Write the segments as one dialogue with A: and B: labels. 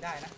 A: ได้นะ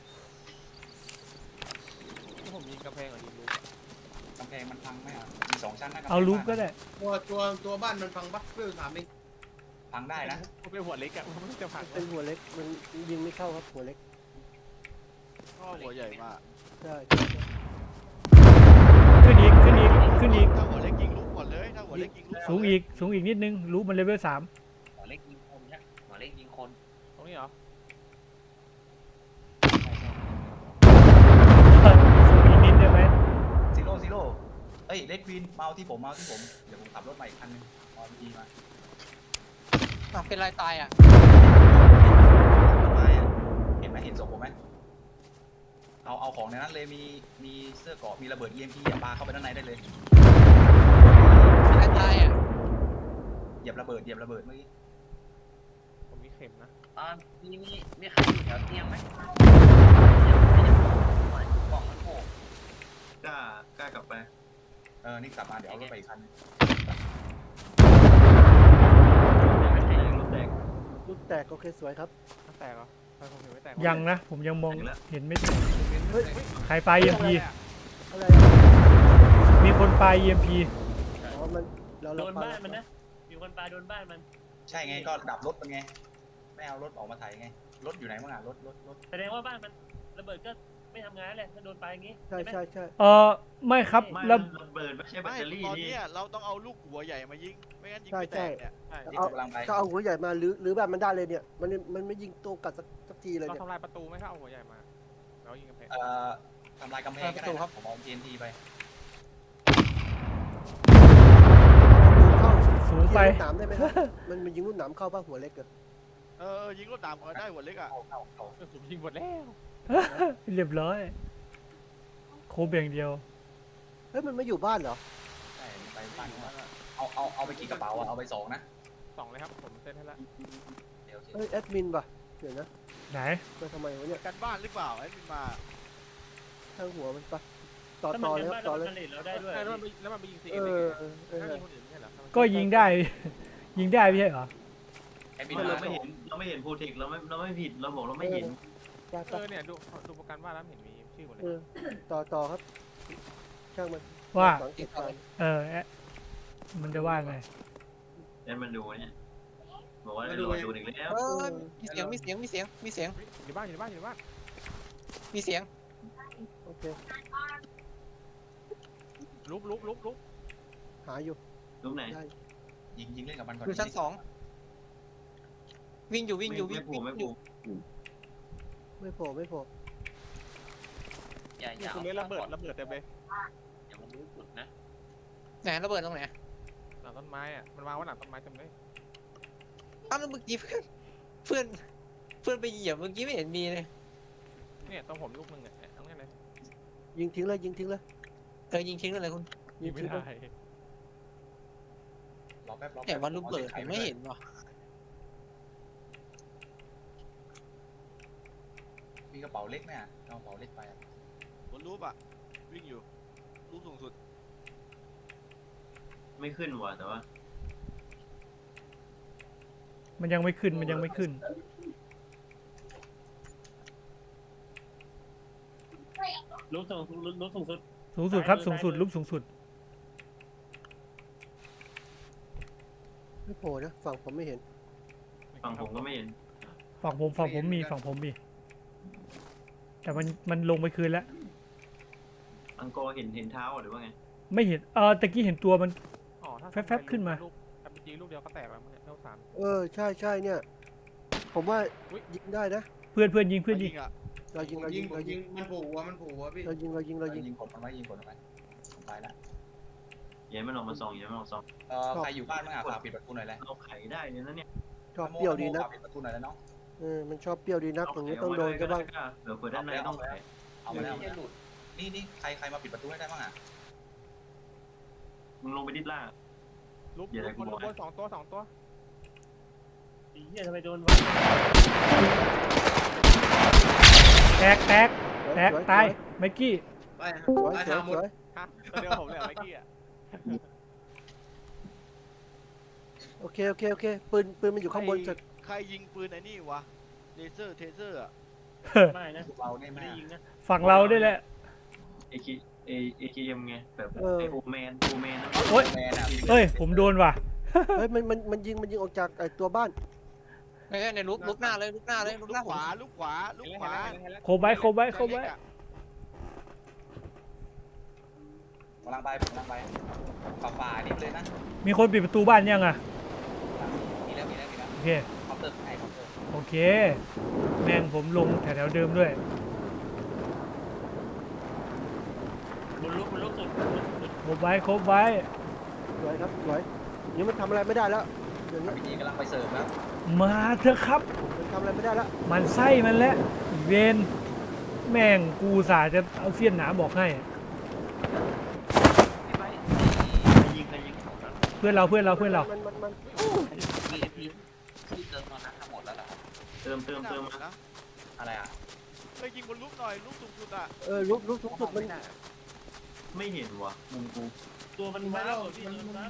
B: ถ้าผมยิงกำแพงหรือยิงรูป
A: กำแพงมันพังไหมอ่ะมี2 ชั้นนะ
C: เอารูปก็ได้
D: ตัวบ้านมันพังปะเพื่อถามเอง
A: พังได้นะ
B: ผมเป็นหัวเล็กอะมันไม่จะผัก
E: เป็นหัวเล็กมันยิงไม่เข้าครับหัวเล็ก
F: ก็หัวใหญ่มาก
E: ใช่
C: ขึ้นอีกขึ้นอีกขึ้นอีก
F: ถ้าหัวเล็กยิงลูกก่อนเลยถ้าหัวเล็กยิงลูก
C: สูงอีกสูงอีกนิดนึงรูปมันเลเวล 3
G: หัวเล็กยิงคนเนี่ยหัวเล็กยิงคน
B: ตรงนี้เหรอ
C: สูงอีกนิดได้ไหม
A: ซีโร่เอ้ยเลดควีนเมาที่ผมเดี๋ยวผมขับรถมาอีกคันนึงเอาดีมา
G: เป็นไรตายอ่ะ
A: ต้นไม้อะเห็นไหมเห็นศพผมไหมเอาของในนั้นเลยมีเสื้อเกราะมีระเบิด EMP อย่าปาเข้าไปด้านในได้เลย
G: เป็นไรตายอ่ะ
A: เหยียบระเบิดเมื่อกี้
B: ผมมีเข็มนะ
G: มีใครอยู่แถวเตียงไหมกล่องมันโผล่
A: กล้ากลับไปนี่กลับมาเดี๋ยวเอารถไปอีกคันนึง
E: ลูกแตกโอเคสวยครับ
B: ถ้าแตกเหรอทำไมผมเห็นไม่แตก
C: ยังนะ ผมยังมองเห็นไม่ถึง
E: เฮ้ย
C: ใครปลา EMP
E: อะไร
C: มีคนปลา EMP
E: อ๋อมันเรา
H: โดนบ้านมันนะ มีคนปาโดนบ้านมัน
A: ใช่ไงก็ดับรถเป็นไงไม่เอารถออกมาไถไงรถอยู่ไหนบ้างอ่ะรถ
H: แสดงว่าบ้านมันระเบิดก็ไม่ทำงานเลยถ้าโดนปาอย่างงี้
E: ใช่
H: ไหม
E: ใช่ใช่
C: ไม่ครับ
I: ไม่
C: แล้ว
I: ระเบิดไม่ใช่แบต
F: ไม่
I: เตอรี่
F: ตอน
I: นี่
F: นี้เราต้องเอาลูกหัวใหญ่มายิงไม่งั้นยิงไม่แตกเนี่ย
B: ใช่
A: ที่กำลังไป
E: ก็เอาหัวใหญ่มาหรือแบบมันได้เลยเนี่ยมันไม่ยิงตัวกัดสักทีเลย
B: เรา
E: เนี่ย
B: ทำลายประตูไหมถ้าเอาหัวใหญ่มาแล้วยิงกำแพง
A: ทำลายกำแพงก็ได้ครับผมเอา TNT ไป
E: เข้า
C: สูงไป
E: ยิงลูกหนามได้ไหมครับมันยิงลูกหนามเข้าป่ะหัวเล็กเกิด
F: ยิงรถดามก็ได้หัวเล็กอ่ะ
B: ผมยิงหมดแล้ว
C: เรียบร้อยโคบอย่างเดียว
E: เฮ้ยมันไม่อยู่บ้านเหรอ
A: ใช่ไปปั้นเอาไปกี่กระเป๋าอ่ะเอาไป2นะ
B: 2เลยครับผมเซ็ตให้แล้ว
A: เดี๋ยว
E: เฮ้ยแอดมินป่ะเดี๋ยวนะ
C: ไหน
E: มาทำไมวะเนี่ย
F: กันบ้านหรือเปล่าไอ้มินมา
E: ข้างหัวมันปะต่อ
H: ถ้ามัน
E: ต่อ
H: เป็น
E: เลย
H: บ้าน
E: ต่อ
H: เรา
E: เลย
H: ผลิตเราได้ด้วย
B: แล้วมันไปยิงซี
E: เอ
B: เอ็ม
E: อ
B: เองถ้ายิงคนอื่นไม่ใช่เหรอ
C: ก็ยิงได้ ยิงได้ไม่ใช่เหรอ
A: ไอ้บิน
I: เรา
A: มา
I: ไม่เห็นโปรเทคเราไม่ผิดเราบอกเราไม่เห็น
E: ได้ปะ
B: เนี่ยดูโปรแกรมว่าแล้วเห็นมีชื่อหมดเลย
E: ต่อครับ ช่างมัน
C: ว่า
E: สังเกตการณ์
C: มันจะว่าไง
I: เดี๋ยวมันดูเนี่ยบอกว่าดูอีกแล้ว
G: มีเสียง
B: อยู่บ้าน
G: มีเสียง
E: โอเค
B: ลุก
E: หาอยู่
I: รูปไหน
E: ได้
A: ยิงเล่นกับมันก่อน
G: อยู่ชั้น2วิ่งอยู่
I: ไม่ผูก
E: ไม่โผล่ไม่โผล่
B: นี่คุณเล่นระเบิดเต็มเลย
G: อย่ามันรู้จุดนะไหนระเบิดตรงไหน
B: หลังต้นไม้อะมันวางไว้หลังต้นไม้เต็มเลย
G: อ้าวแล้วเมื่อกี้เพื่อนไปเหยียบเมื่อกี้ไม่เห็นมีเลย
B: เนี่ยต้องผมลูกนึงอ่ะทั้งนั้นเลย
E: ยิงทิ้งเลยยิงทิ้งเลย
G: ยิงทิ้งเลยคุณ
E: ยิง
B: ไม่
E: ทิ้งเล
B: ได้
E: ย
A: รอแป๊บ
G: แต่วันระเบิดผมไม่เห็นว่ะ
A: มีกระเป๋าเล็กไหมอ่ะเอากระเป๋าเล็กไปอ่ะ
F: บนรูปอ่ะวิ่งอยู่รูปสูงสุด
I: ไม่ขึ้นว่ะแต่ว่า
C: มันยังไม่ขึ้น มันยังไม่ขึ้น
H: รูปสูงสุด
C: สูงสุดครับ สูงสุดรูปสูงสุด
E: ไม่โผล่นะฝั่งผมไม่เห็น
I: ฝั่งผมก็ไม่เห็น
C: ฝั่งผมมีฝั่งผมมี แต่มันลงไปคืนแล้ว
I: อังกอร์เห็นเท้าหรือว่าไง
C: ไม่เห็นตะกี้เห็นตัวมัน
B: อ๋อถ้า
C: แฟบๆขึ้นมา
B: แต่จริงลูกเดียวก็แตกแล้วเนี่ยเท่าสาม
E: ใช่เนี่ย ผมว่า
B: อุ๊ย
E: ยิงได้นะ
C: เพื่อนยิง
F: อ่ะ
E: เรายิง
D: มันผูกหัวพี่
E: เรายิง
A: ยิงกดมันไว้ยิงกดมันไว้ผมไปแล้ว
I: อย่ามันออกมาส่องอย่ามันออกมาส่อง
A: ใครอยู่บ้านบ้างอ่ะฝากปิดประตูหน่อยเลย
I: เราไขได้เลยนะเนี่ย
E: ชอบเปรี้ยวดีนะ
A: ฝากปิดประตูหน่อยแล้วน้อง
E: มันชอบเปรี้ยวดีนักตรงนี้ต้องโดนก็บ้าง
I: เดี๋ยวเปิดด้านในต้องไข
A: เอามาแล้วนี่ใครมาปิดประตูให้ได้บ้างอ่ะ
I: มึงลงไปดิดล่าง
B: ลูก
I: อย่าให้กู
B: บ
I: บอก
B: นสองตัว
H: ไอ้เหี้ยทำไมโดนวะ
C: แตกตายไมกี้
D: ไป
E: สวย
D: ไป
E: สวย
D: ทางหมด
E: สวย
B: ฮะตัวเดียวผมเลยเมื่อกี้อ่ะ
E: โอเคปืนมันอยู่ข้างบนจะ
F: ใครยิงปืนไอ้นี่วะเลเซอร์เทเซอร์อ่ะ
H: ไม่นะ
A: พวกเราได้
H: ไม่
A: มา
H: ได้
A: ก
H: ยิงนะ
C: ฝั่งเราด้วยแหละ
I: AKM ไงแบบ
E: เออ
I: ไอโอแมนนะ
C: โอ๊ย
A: แมนอะ
C: เฮ้ยผมโดนว่ะ
E: เฮ้ยมันยิงออกจากไอ้ตัวบ้าน
G: ไม่ใช่ในลุกหน้าเลยลุกหน้าเลยลุกหน้า
F: ขวาลูกขวาลูกขวา
C: โคบไว้
A: กำลังไปฝ่านี่ไปเลยนะ
C: มีคนปิดประตูบ้านยังอ่ะ
A: มีแล้ว
C: โอเค
A: เคาน์เตอร์ไอ้เคาน์เตอร์
C: โอเค แม่งผมลงแถวๆเดิมด้วย
H: บนลุกสุด
C: ครบไว้ครบไว้
E: สวยครับสวยอย่างนี้มันทำอะไรไม่ได้แล้วอย่างนี้
A: พีจีกำลังไปเสิร์ฟแล้ว
C: มาเถอะครับ
E: มันทำอะไรไม่ได้แล้ว
C: มันไส้มันแล้วเวนแม่งกูสาจะเอาเสี้ยนหนาบอกให้
I: ใครยิง
C: เพื่อนเรา
E: มัน
A: ที่เติมตอนนั้นทั้งหมดแล้วเหรอ
I: เติมมา
F: นะ
A: อะไรอ่ะ
F: เฮ้ยยิงบนลูกหน่อยลูกสูงสุดอ่ะ
E: ลุกสูงสุดมัน
I: ไม่เห็นวะมุมกู
H: ตัวมันว้าวพี่ตัวมันว้าว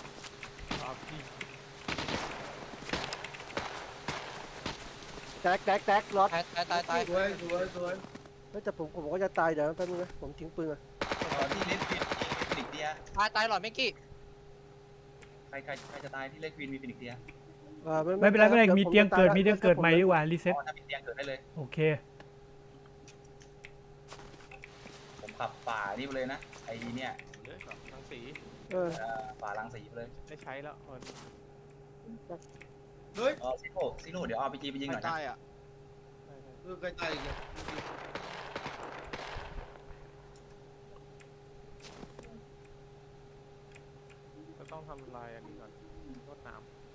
E: แตกรถ
G: ตาย
D: สวย
E: แต่ผมก็จะตายเดี๋ยวแป๊บนึงนะผมทิ้งปืนอ่ะ
A: ที่เล็กควีนมีฟินิกเดีย
G: ตายหลอดไม่กี่
A: ใครจะตายที่เล็กควีนมีฟินิกเดีย
C: ไม่เป็นไรมีเตียงเกิดใหม่ดีกว่ารีเซ็ต
A: ถ้ามีเตียงเกิดได้เลย
C: โอเค
A: ผมขับฝ่านี่ไปเลยนะไอ้เนี่ย
B: เลยทั้งสี
A: ฝ่าลังสีไปเลย
B: ได้ใช้แล้ว
D: เฮ้ย
A: ซิโร่เดี๋ยวเอาพีจีไปยิงห
F: ไม่
A: น่อยนะ
F: ตายอ่ะ
D: ใครตายอีกเนี่ย
B: ก็ต้องทำลายอันนี้ก่อนรดน้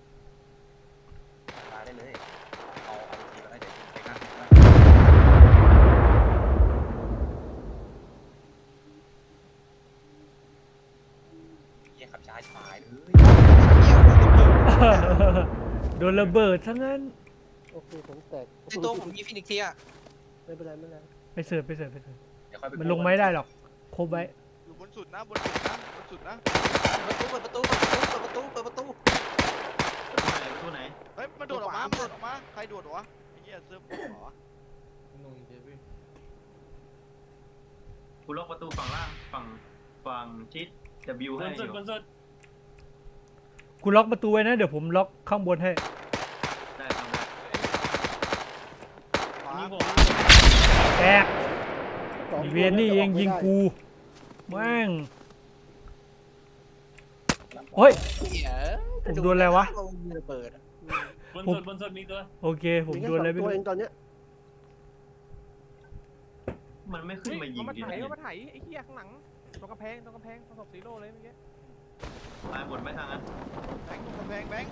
A: มาได้เลยเอาพีจีมาได้เดี๋ยวยิงไปข้างหน้าเยี่ยขับช้าชิบหายเลย
C: โดนระเบิดทั้งนั้น
E: โอเคผมแตก
G: ในตัวผมมีฟินิกเทีย
E: ไม่เป็นไร
C: ไปเสิร์ฟ
A: เดี๋ยวค่อยไป
C: มันลงไม่ได้หรอกครบไว้
F: อยู่บนสุดนะบนสุดนะ
G: เปิดประตู
I: ตู้ไหน
F: เฮ้ยมันโดดออกมาใครโดดวะไอ้เหี้ยเซิร์ฟเหรอ
D: นุ่งเดวิด
I: กูล็อกประตูฝั่งล่างฝั่งชิด W
H: บ
I: ให้
H: น
I: อ
H: สุด
I: ยู่
H: บนสุด
C: คุณล็อกประตูไว้นะ เดี๋ยวผมล็อกข้างบนให้
I: ได้ทำได้
F: ขวา
H: มีผม
C: แตกอีเวนนี่เองยิงกูแม่งโอ้ย ผมโดนอะไรวะ
G: เปิด
H: บนสุดมีตัว
C: โอเค ผม
E: มีแค่
C: โดนอะไร
E: 2
C: ไม่
E: ตัว
C: รู้
E: เองตอนเนี้ย
I: มันไม่ขึ้นมายิง
B: มา
I: ดิ
B: ไถไอ้เหี้ยข้างหลังตรงกำแพงประสบซีโร่เลยเมื่อกี้
I: ตายหมดไหมทางนั้น
F: แบงค์ตรงกำแพงแบงค์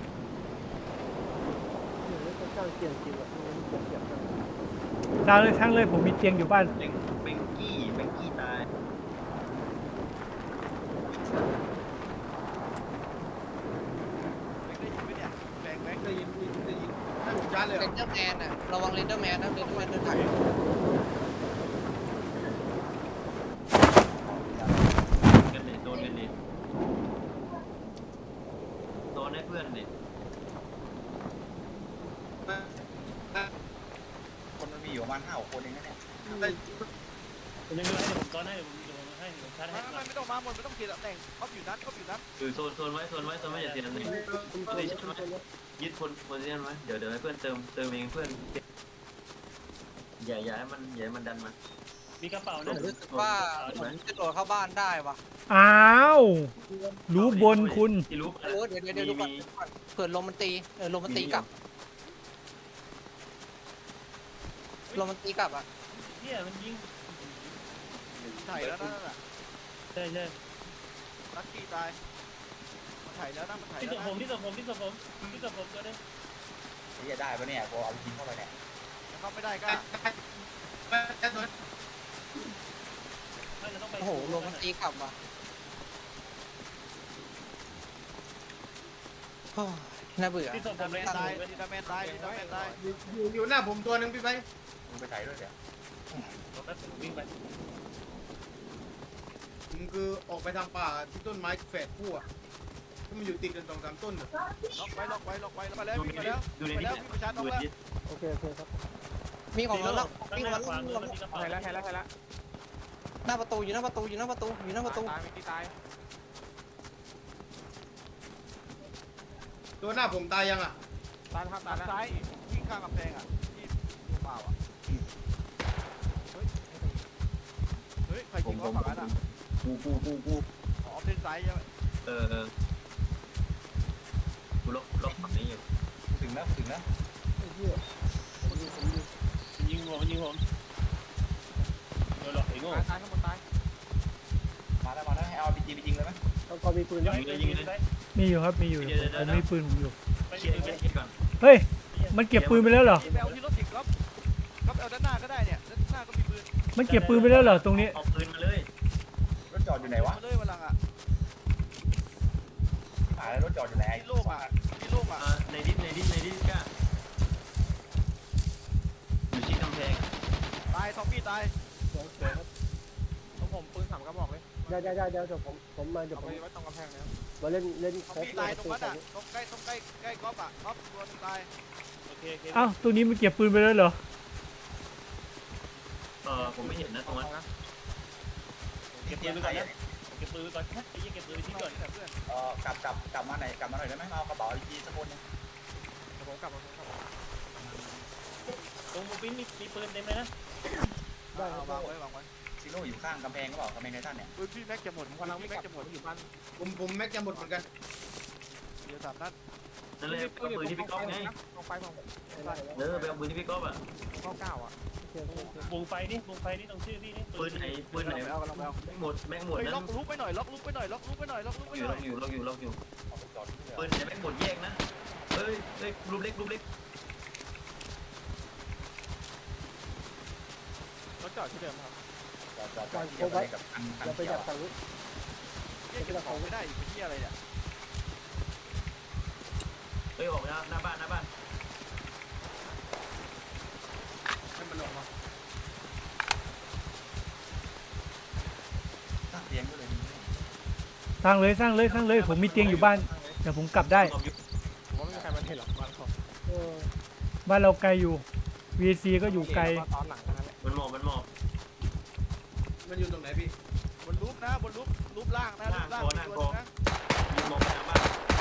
E: เดี๋ยวจะสร้างเตียงจริงอ่ะเก็บกัน
C: สร้างเลยผมมีเตียงอยู่บ้าน
I: เบงกี้ตาย
F: ได้ยินไหมเนี่ยแบงค์
D: ได้ยินให้ผมชาร์จเลย
G: เรนเดอร์แมนอ่ะระวังเรนเดอร์แมนนะเรนเดอร์แมนเดินถ่าย
I: กันเลยโดนกันเลยโดนให้เพื่อนเลย
A: คนมันมีอยู่ประมาณ5-6 คนเองนะเนี่ย
H: ผมยังไม่ให้ผมซ้อนให้ผมให้ผมชาร์จให้ก่อน
F: ไม่ต้องมาหมดไม่ต้องเขียนแต่งครอบอยู่นั้น
I: คือโซนไว้อย่าเสียเลยยึดคนโพซิชั่นไว้เดี๋ยวให้เพื่อนเติมเองเพื่อนอย่าให้มันดันมา
H: มีกระเป๋านะ
G: รู้สึกว่าผมจะโดดเข้าบ้านได้ว่ะ
C: อ้าวรู้บนคุณ
I: ที่รู้
G: เดี๋ยวดูก่อนเผื่อลมมันตีลมมันตีกลับอ่ะ
H: เฮียมันยิง
F: ถ่ายแล้วนั่นน่ะ
H: ใช่
F: ลักกี้ตายมันถ่ายแล้วนะมันถ่าย
H: ที่
F: แล้
H: ตัว
F: ว
H: ผม
F: นะ
H: ที่ตัวผมตัวนึง
A: จะได้ปะเนี่ยพอเอายิงเข้าไปเนี่ย
F: เข้าไม่ได้ก็
H: เราต้องไป
G: โอ้โหลมมันตีกลับว่ะน่าเบื่อ
H: ที่ตัวผมเลย
F: ตายดิดาแมนตาย
D: อยู่หน้าผมตัวหนึ่งพี่ไป
A: มึงไปถ่ายด้วยเดี๋ยว
H: วิ่งไป
D: ผมคือออกไปทางป่าที่ต้นไม้แฝดคู่อ่ะที่มันอยู่ติดกัน2-3 ต้นอ่ะ
F: ล็อกไว้แล้วมาแล้ว
I: ดู
F: วิ่ง
I: ใน
F: มาแล้ว
I: ดูใน
F: วิ่ง
I: นี้
F: มาชาร์จ
I: ดู
F: ล็อก
I: ใน
F: แล้ว
I: นี้
E: โอเคครับ
G: มีของแล้ว
H: ข้าง
G: มี
H: ห
G: ข
H: น้า
G: อง
H: ขวา
G: แล้ว
H: มือมันมีกระเป๋า
B: เห็นแล้วเห็นแล้วเห็นแล้ว
G: หน้าประตูอยู่หน้าประตูอยู่หน้าประตูอยู่หน้าประตู
B: ตายมีที่ตาย
D: ตัวหน้าผมตายยังอ่ะ
B: ตายครับตายแล้ว
F: ซ้ายวิ่งข้างกำแพงอ่ะที่ตัวเปล่าอ่ะเฮ้ยใคร
I: ผ
F: ยิ
I: ม
F: ง
I: ผ
F: เขา
I: ม
F: ฝั่งนั้นอ่ะ
I: กู
F: อ๋อเล่นซ้ายใช่ไหม
I: เออกูล็อกฝั่งนี้อยู่
A: ถึงแล้วถึงแล้ว
E: ไอ้เหี้ยผมอยู่
H: ยิงผมยิงผมโดนหลอกไอ้โง่
B: ตายข้างบนตาย
A: มาแล้วให้เอาRPGไปยิงเลยไหม
E: ต้องก็มีปืน
H: ยิ
E: นะ
H: งเลยยิงเลย
C: มีอยู่ครับมีอยู่ผมมีปืนผมอยู่
H: ไป
I: เคลียร์ก่อน
C: เฮ้ยมันเก็บปืนไปแล้วเหรอ
F: ไปเอาที่รถอีกครับเอาด้านหน้าก็ได้เนี่ยด้านหน้าก็มีปืน
C: มันเก็บปืนไปแล้วเหรอตรงนี้
I: เอาปืนมาเลย
A: รถจอดอยู่ไหนวะ
F: มาเลยวันหลังอ่ะ
A: หาแล้วรถจอดอยู่ไหน
F: ที่โล่งอ่ะที่โล่งอ่ะ
I: ในดิสก้าอยู่ชิดกำแพง
F: ตายซอมบี้ตาย
E: สวยครับ
B: ของผมปืน3กระบอกเลย
E: ได้เดี๋ยวผมมาเดี๋ยว
B: เอา
E: ผม
B: ไปไว้ตรงกำแพงเลย
E: มาเล่น
F: ซอม
E: ครบ
F: บี้ตายตรงนั้นอ่ะตรงใกล้ก๊อฟอ่ะก๊อฟตัวนึงตาย
H: โอเคโอเค
C: อ้าวตัวนี้มันเก็บปืนไปแล้วเหรอ
I: ผมไม่เห็นนะตรงนั้น
H: เก็บปืนไปก่อนนะเก็บปืนไปก่อนไอ้ยี่เก็บปืนไปทิ้งก่อน
F: เพื่อน
A: กลับมาหน่อยได้ไหมมาเอากระเป๋าRPGสักคนนึง
B: เดี๋ยวผมกลับมาผมกลับมา
H: ตรงบูปินมีปืนเต็มเลยนะ
E: ได้ครับ
F: วางไว้
A: ซีโร่อยู่ข้างกำแพงก็เปล่ากำแพงไททันเนี่ย
F: ปืนพี่แม็กจะหมด
B: ผมกำลังไม่
F: แม็ก
B: กลับ
F: จะหมด
B: อยู่บ้าน
D: ผมแม็กจะหมดเหมือนกัน
F: เดี๋ยว3 นัด
I: นั่นเลยเอาปืนที่พี่ก๊อฟไง
B: ลงไปผม
I: ไปเอาปืนที่พี่ก๊อฟอ่ะ
B: 99อ่ะ
H: วงไฟนี่วงไฟนี่ตรงชื่อพี่นี่
I: ปืนไหน
F: เอากำลังเอา
I: แม่งหมด
F: เฮ้ย
I: นะ
F: ล็อกลุกไปหน่อยล็อกลุกไปหน่อยล็อกลุกไปหน่อยล็อกลุกไป
I: อ
F: ห
I: ยู่
F: น่อย
I: ล็อกอยู่
A: เอาไปจอดที่เรือ
I: ปืนไหนแม่งหมดแยกนะเฮ้ยรูปเล็ก
B: รถจอดที่เดิมครับ
A: จอดที่เดียวกันกับคัน
E: อย่าไป
A: เขีย
E: ดั
A: ว
E: กฝั่งนู้น
F: เก็บของไม่ได้อีกเป็นที่อะไรเนี่ย
I: เฮ้ยออกไปหน้าบ้าน
D: ให้มันออกมา
A: ตั้งเตียงก็เลย
C: สร้างเลยผมมีเตียงอยู่บ้านเดี๋ยวผมกลับได้
B: ผมว่าไม่มีใครมาเห็นหรอกบ้านผม
C: บ้านเราไกลอยู่ VC ก็อยู่ไกล
B: ตอนหลังนั่นแหละ
I: มันหมอบ
D: มันอยู่ตรงไหนพี่
F: บนรูปนะบนรูปล่างนะรูปล่างตัวนึงนะ
I: ยิงมองไปทางบ้าน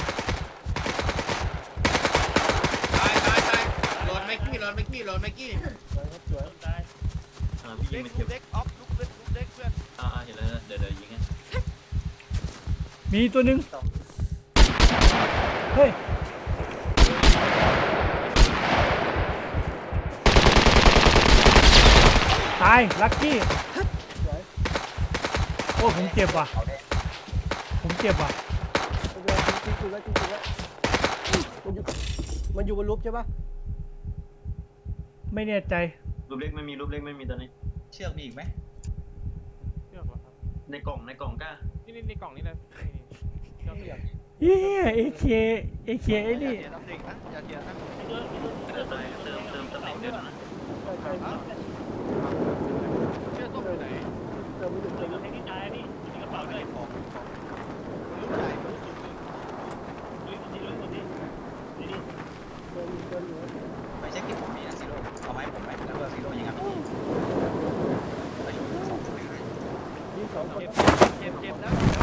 D: ตายหลอดแม็กกี้
E: สวยครับสวย
H: ต้นตาย
I: พี่ยิ
F: เล็
I: ง
F: ก
I: มัน
F: รู
I: เก็บ
F: ปเล็กออฟรูปเล็กเพื่อน
I: เห็นแล้วเดี๋ยวยิงให้
C: มีตัวหนึงเฮ้ยตายลักกี้
E: สวย
C: โอ้ผมเจ็บว่ะ
A: เอาแดง
C: ผมเจ็บว่ะ
E: จริงแล้วมันอยู่บนรูปใช่ปะ
C: ไม่แน่ใจ
I: รูปเล็กไม่มีตอนนี้
A: เชือกมีอีกไหม
B: เชือกเหรอครับ
I: ในกล่องกล้า
B: นี่กล่องนี้เลยเชือก
C: เย้เอเคไอ้
F: อย่า
C: นี่
F: เสียน้ำเด็กนะอย่าเสียนะ
I: เติมตำแหน่งเดิมนะ
E: ใช่
F: เชื่อต้มอยู่ไหน
E: เติมไม่หยุด
H: เติมให้ที่ตายนี่มีกระเป๋าด้วย
F: ของรูปใหญ่รูปสูง
H: ลุยคนที่นี่นี่
E: เติมอยู่
A: ไม่ใช่ที่ผมมีนะซีโร่เอาไม้ผมไหมแล้วก็ซีโร่ยิงอ่ะไปสองคนเลย
E: ยิงสองคน
F: เจ็บนะ